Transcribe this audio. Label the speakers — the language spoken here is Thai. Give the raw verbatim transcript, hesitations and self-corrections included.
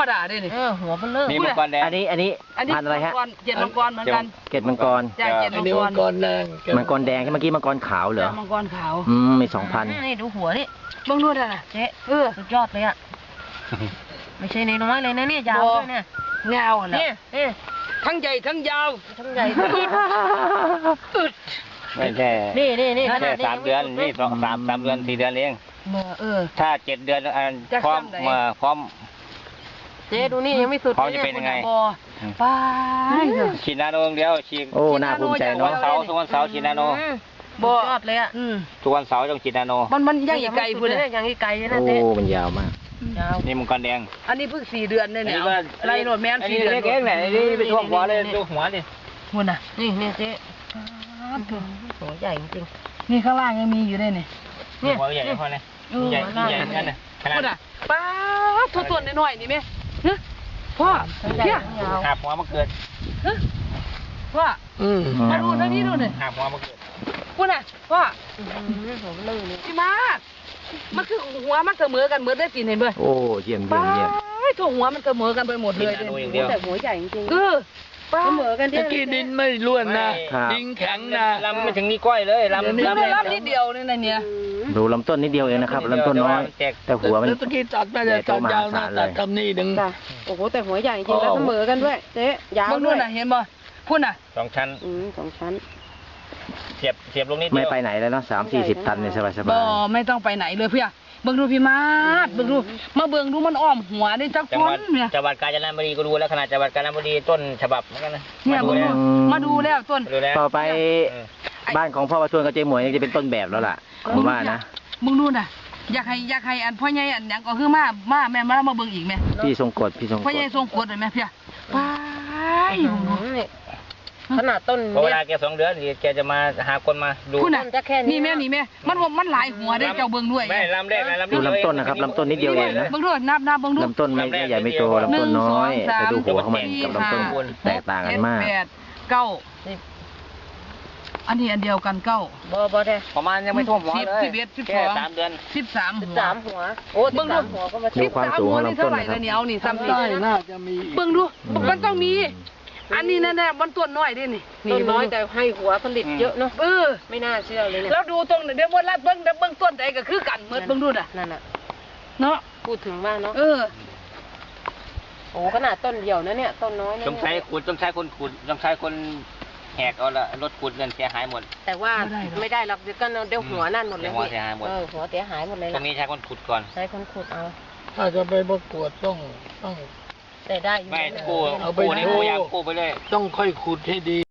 Speaker 1: รมดาเด้นี่
Speaker 2: เออหัวมันเลิก
Speaker 3: นี่มังกรแดง
Speaker 4: อันนี้อันนี้พันอะไรฮะ
Speaker 1: เจ็ดมังกรเหมือนกัน
Speaker 4: เกล็ดมังกร
Speaker 1: จ้าเจ็ดมังกร
Speaker 5: มังกรแดง
Speaker 4: มังกรแดงที่เมื่อกี้มังกรขาวเหรอ
Speaker 1: มังกรขาว
Speaker 4: อืมมีสองพัน
Speaker 2: นี่ดูหัวนี่
Speaker 1: บังนวดอ่ะ
Speaker 2: เจ๊เออสุดยอดเลยอ่ะไม่ใช่ในน้อยเลยนะเนี่ยยาวด้วยเนี่ย
Speaker 1: เงาอ่ะ
Speaker 2: เนี่ยเนี่ย
Speaker 1: ทั้งใหญ่ทั้งยาว
Speaker 2: ทั้งใหญ่
Speaker 1: อึด
Speaker 3: ไม่ใช่
Speaker 2: นี่นี่นี่
Speaker 3: แค่สามเดือนนี่สองสามสามเดือนสี่เดือนเอง
Speaker 1: เออ
Speaker 3: ถ้าเจ็ดเดือนพร้อมมาพร้อม
Speaker 2: เจ๊ดูนี่ยังไม่สุด
Speaker 3: พร้อมจะเป็นยังไง
Speaker 1: ป้า
Speaker 3: ฉีดนาโนเดียวฉีด
Speaker 4: โอ้น่าภูมิใจเนาะ
Speaker 3: เสาทุกวันเสาร์ฉีดนาโน
Speaker 2: บอดเลยอ่ะ
Speaker 3: ทุกวันเสาร์ต้องฉีดนาโน
Speaker 1: มันมันยังอีกไกลพูดเลย
Speaker 2: ยังอีกไกลนะ
Speaker 4: เจ๊โอ้มันยาวมาก
Speaker 3: นี่มังกรแดง
Speaker 1: อันนี้เพิ่งสี่เดือนเนี่ยไล่โหลดแม่นสี่เดือน
Speaker 3: เล็กๆเนี่ยนี่เป็นช่วงหัวเลยดูหัวดิ
Speaker 1: หุ่นอ่ะ
Speaker 2: นี่เนี่ยเจ๊หัวใหญ่จริง
Speaker 1: นี่ข้างล่างยังมีอยู่ด้วยนี่
Speaker 3: นี่หัวใหญ่พอเลยใหญ่ใหญ่นั่นน่ะขนาด
Speaker 1: ป้าตัวตัวน้อยๆนี่ไหมพ่อเพี้ย
Speaker 3: หาหัวมาเกิด
Speaker 1: พ่อมาดูนะนี่ดูหน่อย
Speaker 3: หาหัวมาเกิด
Speaker 1: พูดน่ะพ่อพี่มามันคือหัวมันเสมอกันเหมือนได้กินเห็นไหม
Speaker 4: โอ้เยี่ยมเยี่ยมเยี่ยม
Speaker 1: ตัวหัวมันเสมอกันไปหมดเลย
Speaker 2: แต่หัวใหญ่จริง
Speaker 1: คือ
Speaker 2: เสมอกัน
Speaker 5: ตะกี้ดินไม่ล้วนนะดินแข็งนะ
Speaker 3: ลำไม่ถึงนี่ก้อยเลยลำ
Speaker 1: ลำลำนิดเดียวนี่นะเนี่ย
Speaker 4: ดูลำต้นนิดเดียวเองนะครับลำต้นน้อยแต่หัวมัน
Speaker 5: ตะกี้ตัดไม่ได้ตัดยาวนะตัดทำนี่ดึง
Speaker 2: โอ้โหแต่หัวใหญ่จริงแล้วเสมอกันด้วยเจ๊ยาว
Speaker 1: ด้วยเห็นบ่พูดน่ะ
Speaker 3: สองชั้น
Speaker 2: อืมสองชั้น
Speaker 3: เสียบเสียบลงนิด
Speaker 4: ไม่ไปไหนแล้วเนาะสามสี่สิบตันเนี่ยสบายสบาย
Speaker 1: บ่ไม่ต้องไปไหนเลยเพื่อเบิ่งดูพี่มาดเบิ่งดูมาเบิ่งดูมันอ้อมหัวได้จักคนเนี่ย
Speaker 3: จังหวัดกาญจนบุรีก็ดูแล้วขนาดจังหวัดกาญจนบุรีต้นฉบับเหมือนกันนะ
Speaker 1: เนี่ยมาดูมาดูแล้วต้น
Speaker 4: ต่อไปบ้านของพ่อประชวนกับเจ๊หมวยจะเป็นต้นแบบแล้วล่ะผมว่านะ
Speaker 1: มึงดูน่ะอยากให้อยากให้อันพ่อใหญ่อันยังก็คือมามาแม่มามาเบิ่งอีกแม่
Speaker 4: พี่ทรงกฎพี่ทรงกฎ
Speaker 1: พ่อใหญ่ทรงกฎเลยแม่เพี่ยไป
Speaker 2: ขนาดต้น
Speaker 3: เวลาแกสองเดือนแกจะมาหาคนมาดู
Speaker 1: จะแค่นี่แม่นี่แม่มันมันหลายหัวได้เจ้าเบิ่งด้วย
Speaker 3: ไม่ลำแรกนะลำ
Speaker 4: ดูลำต้นนะครับลำต้นนิดเดียวเองนะ
Speaker 1: เบิ่งดูนับนับเบิ่งดู
Speaker 4: ลำต้นไม่ใหญ่ไม่โตลำต้นน้อยแต่ดูหัวของมันกับลำต้นแตกต่างกันมาก
Speaker 1: แปดเก้าอันนี้อันเดียวกันเก้า
Speaker 2: บ่บ่ได้
Speaker 3: ประมาณยังไม่ท่วมหัวเลย
Speaker 1: สิบเอ็ดสิบสอง
Speaker 3: สามเดือน
Speaker 1: สิบสาม
Speaker 2: สิบสามหัวโอ้เบิ่งดูหัวก็มา
Speaker 4: ดูความสูงของลำต้นนะครับ
Speaker 1: นี่เอานี่ซ้ำนี่
Speaker 5: น่าจะมี
Speaker 1: เบิ่งดูมันต้องมีอันนี้แน่ๆมันต้นน้อยดินี่
Speaker 2: ต้นน้อยแต่ให้หัวผลิตเยอะเนาะ
Speaker 1: เออ
Speaker 2: ไม่น่าเชื่อเลยเนี่ย
Speaker 1: แล้วดูตรงเดี๋ยววันละเบิ่งเบิ่งต้นใดก็คือกันเหมือนเบิ่งดูน่ะ
Speaker 2: นั่นน่ะ
Speaker 1: เนาะ
Speaker 2: พูดถึงว่าเนาะ
Speaker 1: เออ
Speaker 2: โอ้ขนาดต้นเดียวนะเนี่ยต้นน้อย
Speaker 3: ต้องใช้ขุดต้องใช้คนขุดต้องใช้คนแหกเอาละรถขุดเงินเสียหายหมด
Speaker 2: แต่ว่าไม่ได้หรอกเดี๋ยวก็เดี๋ยวหัวนั่นหมดเลย
Speaker 3: หัวเสียหายหมด
Speaker 2: เออหัวเสียหายหมดเลย
Speaker 3: ตรงนี้ใช้คนขุดก่อน
Speaker 2: ใช้คนขุดเอา
Speaker 5: ถ้าจะไปประกวดต้องต้อง
Speaker 2: แต่ได้
Speaker 3: ไม่กู้กู้นี่กู้ยางกู้ไปเลย
Speaker 5: ต้องค่อยขุดให้ดี